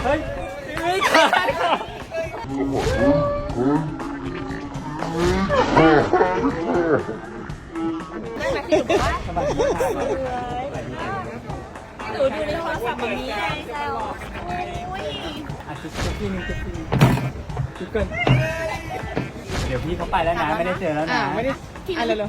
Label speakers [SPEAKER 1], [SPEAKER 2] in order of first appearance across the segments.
[SPEAKER 1] เฮ้ยไม่ขาด
[SPEAKER 2] ได้ไหมพี่หนูว่าหนูดูในโทรศัพท์แบบนี้ไงแซวอุ้ย
[SPEAKER 1] ชุดพี่นึงชุดเกินเดี๋ยวพี่เขาไปแล้วนะไม่ได้เจอแล้วนะ
[SPEAKER 3] ไม่ได้อะไรเลย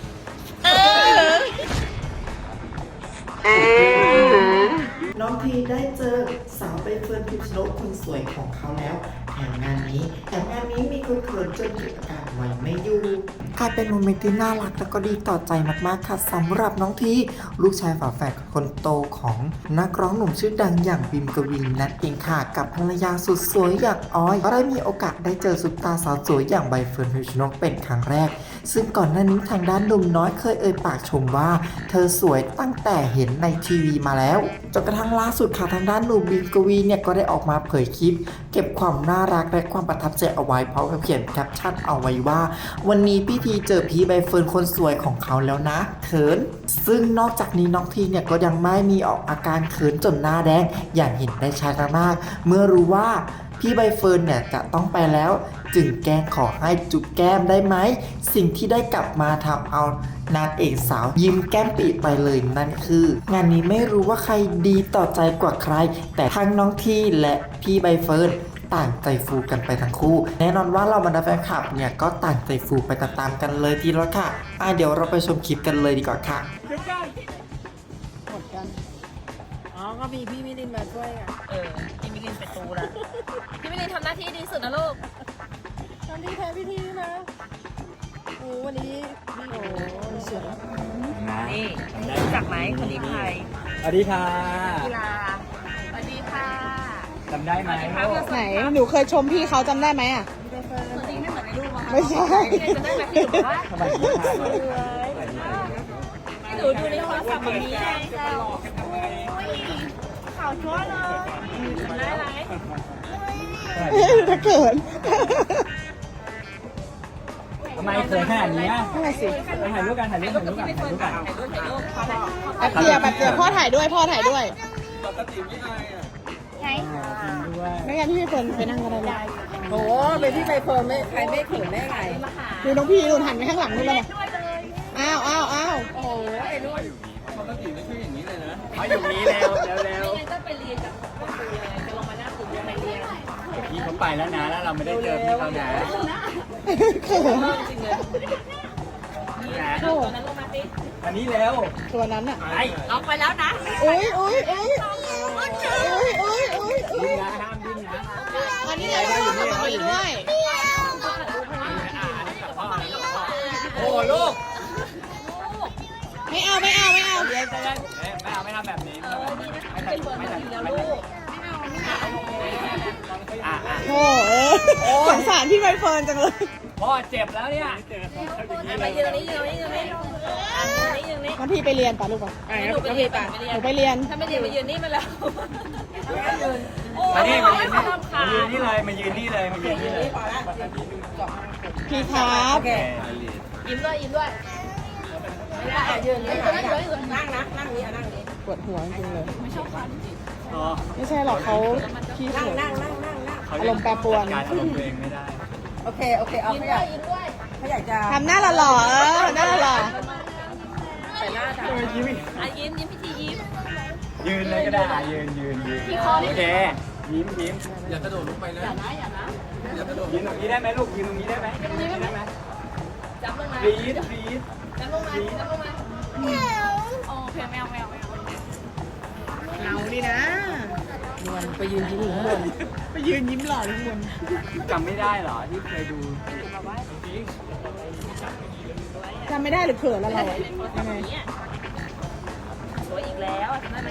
[SPEAKER 4] น้องพีได้เจอสาวใบเฟิร์นพิมชนกคนสวยของเขาแล้วแถมงานนี้มีคนเขินจนเกิดอาการไว้ไม่อยู่กลายเป็นโมเมนต์ที่น่ารักและก็ดีต่อใจมากๆค่ะสำหรับน้องทีลูกชายฝาแฝดคนโตของนักร้องหนุ่มชื่อดังอย่างบิมกวินนั่นเองค่ะกับภรรยาสุดสวยอย่างออยก็ได้มีโอกาสได้เจอซุปตาสาวสวยอย่างใบเฟิร์นพิมชนกเป็นครั้งแรกซึ่งก่อนหน้านี้ทางด้านหนุ่มน้อยเคยเอ่ยปากชมว่าเธอสวยตั้งแต่เห็นในทีวีมาแล้วจนกระทั่งล่าสุดค่ะทางด้านหนุ่มบิมกวีเนี่ยก็ได้ออกมาเผยคลิปเก็บความน่ารักและความประทับใจเอาไว้พร้อมกับเขียนแคปชั่นเอาไว้ว่าวันนี้พี่ทีเจอพี่ใบเฟิร์นคนสวยของเขาแล้วนะเขินซึ่งนอกจากนี้น้องทีเนี่ยก็ยังไม่มีออกอาการเขินจนหน้าแดงอย่างเห็นได้ชัดมากเมื่อรู้ว่าพี่ใบเฟิร์นเนี่ยจะต้องไปแล้วจึงแกล้งขอให้จุ๊บแก้มได้ไหมสิ่งที่ได้กลับมาทำเอานางเอกสาวยิ้มแก้มปีไปเลยนั่นคืองานนี้ไม่รู้ว่าใครดีต่อใจกว่าใครแต่ทั้งน้องทีและพี่ใบเฟิร์นต่างใจฟูกันไปทั้งคู่แน่นอนว่าเราบรรดาแฟนคลับเนี่ยก็ต่างใจฟูไปตามๆกันเลยทีละค่ะเดี๋ยวเราไปชมคลิปกันเลยดีกว่าค่ะ
[SPEAKER 3] หมดกันอ๋อก็มีพี่มิลินมาช่วยอ่ะ
[SPEAKER 2] พี่มิลินเป็นตูละพี่มิลินทำหน้าที่ดีสุดนะลูก
[SPEAKER 3] ทำที่แท้พี่ทีนะโอ้วันนี้พี่โอ้เสือ
[SPEAKER 2] นี่รู้จักไหมคนนี้ใคร
[SPEAKER 1] สวัสดีค่ะ
[SPEAKER 2] กีฬาสวัสดีค่ะ
[SPEAKER 1] จำได้ไหม
[SPEAKER 3] ไหนหนูเคยชมพี่เขาจำได้ไหมอ่ะ
[SPEAKER 2] ตัวจริงไม่เหมือนในรูปอะ
[SPEAKER 3] ไม่ใช่
[SPEAKER 2] จะได้ไหมพี่หนูว่า
[SPEAKER 1] สวัสดีค่ะ
[SPEAKER 2] หนูดูในโทรศัพท์แบบนี้ไงแซวข่าวชั่วเลยได้ไหม
[SPEAKER 3] ถ้าเกิด
[SPEAKER 1] ทำไมเขินขนาดนี้
[SPEAKER 3] นั่นสิ
[SPEAKER 1] ถ่ายรูปกันถ่ายรูปกัน
[SPEAKER 3] แป๊บเดียวพ่อถ่ายด้วยปกติไม่อายอ่ะไม่งั้นพี่ใบเฟิร์นไปนั่งก็ได้เลยโอ้เป็นพี่ใบเฟิร์นไม่ใครไม่เขินได้ไงดูน้องพี่ดูหันไปข้างหลังนู่นเลยอ้าว
[SPEAKER 2] โอ้ไอ้รุ่น
[SPEAKER 1] ปกติไม่ใช่อย่างนี้เลยนะเขาอยู่นี้แล้ว
[SPEAKER 2] ก็ไปเรียนกับครูเลยจะลงมาหน้าตึกไปเรียน
[SPEAKER 1] พี่เขาไปแล้วนะแล้วเราไม่ได้เจอพี่เขานะ
[SPEAKER 3] เขิน
[SPEAKER 2] จริงเลยตัวนั้นลงมาสิ
[SPEAKER 1] อันนี้เร็ว
[SPEAKER 3] ตัวนั้นอ่ะ
[SPEAKER 2] ลงไปแล้วนะ
[SPEAKER 3] อุ้ย
[SPEAKER 1] ดิ้นนะห้ามดิ้นนะ
[SPEAKER 3] อันนี้เลยด้วย
[SPEAKER 1] โอ้ลูก
[SPEAKER 3] ไม่เอา
[SPEAKER 1] เรียนไม่ทำแบบนี้
[SPEAKER 3] โอ้สงสารพี่ใบเฟิร์นจังเลย
[SPEAKER 1] พ่อเจ็บแล้วเนี่ย
[SPEAKER 2] ไปยืนนี่
[SPEAKER 3] งั้นพี่ไปเรียนป่ะลูกป่ะ
[SPEAKER 2] หนูไปเรียน
[SPEAKER 3] หนูไปเรียน
[SPEAKER 2] ถ้าไม่เรียนมายืนนี่มาแล้ว
[SPEAKER 1] มายืนนี่เลย
[SPEAKER 3] พี่ครับ
[SPEAKER 2] ยิ้มด้วยไม่ได้ยืนนั่งนี้
[SPEAKER 3] ปวดหัวจริงเลย
[SPEAKER 2] ไม่ชอบคัน
[SPEAKER 3] ไม่ใช่หรอกเขาขี้เกียจอารมณ์แปรปรวน
[SPEAKER 1] การอารมณ์ตัวเองไม่ได้
[SPEAKER 3] โอเคเอา
[SPEAKER 2] ยิ้มด้วย
[SPEAKER 3] เขาอยากจะทำหน้าหล่อหน้าหล่อ
[SPEAKER 2] ใส่หน้าจ้ะยิ้มพี่ทียิ้ม
[SPEAKER 1] ยืนเลยก็ได้ยืนโอเคยิ้มอย่ากระโดดลงไปนะ
[SPEAKER 2] อย่า
[SPEAKER 1] กระโดดยืนตรงนี้ได้ไหมลูกยืนตรงนี้ได้ไหม
[SPEAKER 2] จับลงมา
[SPEAKER 1] รีด
[SPEAKER 2] จับลงมาโอเคแมว
[SPEAKER 3] เราดินะมันไปยืนยิ้มข้างบนไปยืนยิ้มหล่อข้างบน
[SPEAKER 1] จำไม่ได้เหรอที่เคยดู
[SPEAKER 3] จำไม่ได้หรือเขินอะไรยังไง
[SPEAKER 2] สวยอีกแล้วจำได้ไหม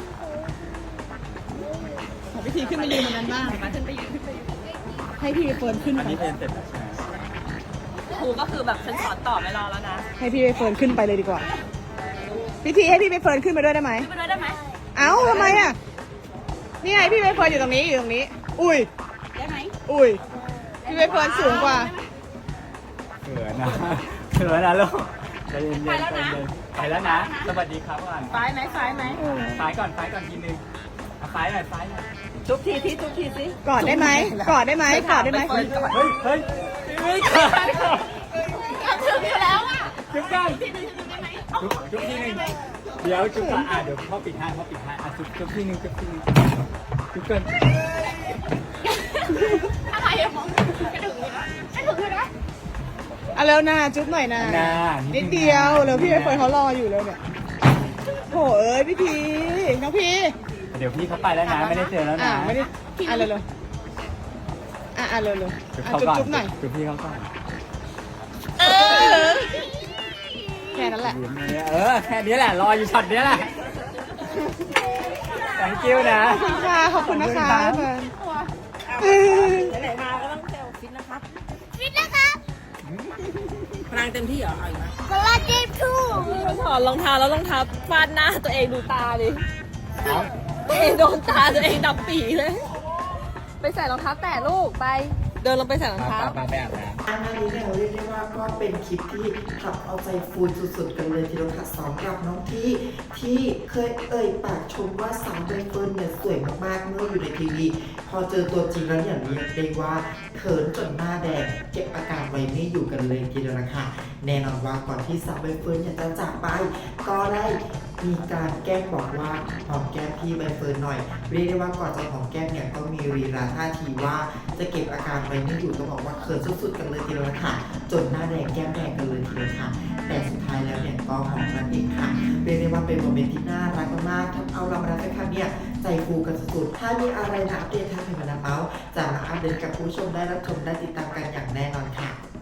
[SPEAKER 3] ขอพิธีขึ้นมายืนบนนั้นบ้างให้พี่เฟิร์นขึ้นไป
[SPEAKER 1] อันนี้เรียนเสร็จแล้วใช่ไหม
[SPEAKER 2] ครูก็คือแบบฉันสอนต่อไม่รอแล้วนะ
[SPEAKER 3] ให้พี่เฟิร์นขึ้นไปเลยดีกว่าพิธีให้พี่เฟิร์นขึ้นไปด้วยได้ไหมเอ้าทำไมอ่ะนี่ไงพี่ใบเฟิร์นอยู่ตรงนี้อุ้ย
[SPEAKER 2] ได้ไหม
[SPEAKER 3] อุ้ยพี่ใบเฟิร์นสูงกว่า
[SPEAKER 1] เขินนะลูกใจเย็นไปแล้วนะสวัสดีครับก่อน
[SPEAKER 2] ไฟไหม
[SPEAKER 1] ก่อนทีนึงไฟหน่อย
[SPEAKER 2] จุ๊บทีที่จุ๊บทีสิ
[SPEAKER 3] กอดได้ไหมกอดได้ไหมกอดได้ไหม
[SPEAKER 1] เฮ้ยเฮ้ยไม่ขาด
[SPEAKER 2] ถึงอยู่แล้วอ่ะ
[SPEAKER 1] จุ๊บกัน
[SPEAKER 2] ทีนึงได้ไหม
[SPEAKER 1] จุ๊บทีนึงเดี๋ยวจุ๊บกันเดี๋ยวพ่อปิดให้จุ๊บทีนึงจุ๊บกัน
[SPEAKER 2] อะไรอะมองไม่ถึงเลยนะไม่ถึงเลยนะ
[SPEAKER 3] เอาเร็วนะจุ๊บหน่อยนะนิดเดียวเร็วพี่ไปเฟิร์นเขารออยู่แล้วเนี่ยโถเอ้ยพี่พีน้องพี
[SPEAKER 1] เดี๋ยวพี่เขาไปแล้วนะไม่ได้เจอแล้วนะ
[SPEAKER 3] ไม่ได้เร็วเร็วจุ๊บหน่อย
[SPEAKER 1] จุ๊บพี่เขาก่อน
[SPEAKER 3] แค่นั้นแหละ
[SPEAKER 1] แค่นี้แหละรออยู่ช็อตนี้แหละ thank you นะ
[SPEAKER 3] ขอบคุณนะคะเฟิร์น
[SPEAKER 2] ไหนมาก็ต้องเซลฟิตนะครับ
[SPEAKER 5] ฟิตนะครับ
[SPEAKER 2] พลังเต็มที่เหรอเอาอีกไหม
[SPEAKER 5] กระลาเจ็บทู
[SPEAKER 2] ถอดรองเท้าแล้วรองเท้าฟาดหน้าตัวเองดูตาดิตัวเองโดนตาตัวเองดำปีเลย ไปใส่รองเท้าแตะลูกไป เดินลงไปใส่รองเท้า
[SPEAKER 1] มาแบบนะ
[SPEAKER 4] อันนี้เนี่ยเรียกได้ว่าก็เป็นคลิปที่ทำเอาใจฟูนสุดๆกันเลยทีเดียวค่ะสำหรับน้องที่เคยเอ่ยปากชมว่าสาวใบเฟิร์นเนี่ยสวยมากๆเมื่ออยู่ในทีวีพอเจอตัวจริงแล้วเนี่ยเรียกได้ว่าเขินจนหน้าแดงเก็บอาการไว้ไม่อยู่กันเลยทีเดียวนะคะแน่นอนว่าก่อนที่สาวใบเฟิร์นจะจากไปก็ได้มีการแกล้งบอกว่าหอมแก้มพี่ใบเฟิร์นหน่อยเรียกได้ว่าก่อนจะหอมแก้มเนี่ยก็มีรีลาท่าทีว่าจะเก็บอาการไว้ไม่อยู่ต้องบอกว่าเขินสุดๆกันเลยทีเดียวค่ะจนหน้าแดงแก้มแดงกันเลยทีเดียวค่ะแต่สุดท้ายแล้วเนี่ยก็หอมกันเองค่ะเรียกได้ว่าเป็นโมเมนต์ที่น่ารักมากๆทำเอาเรามาได้ค่ะเนี่ยใจฟูกันสุดๆถ้ามีอะไรนะอัปเดตทางเพจมานาเมาส์จะมาอัปเดตกับผู้ชมได้รับชมได้ติดตามกันอย่างแน่นอนค่ะ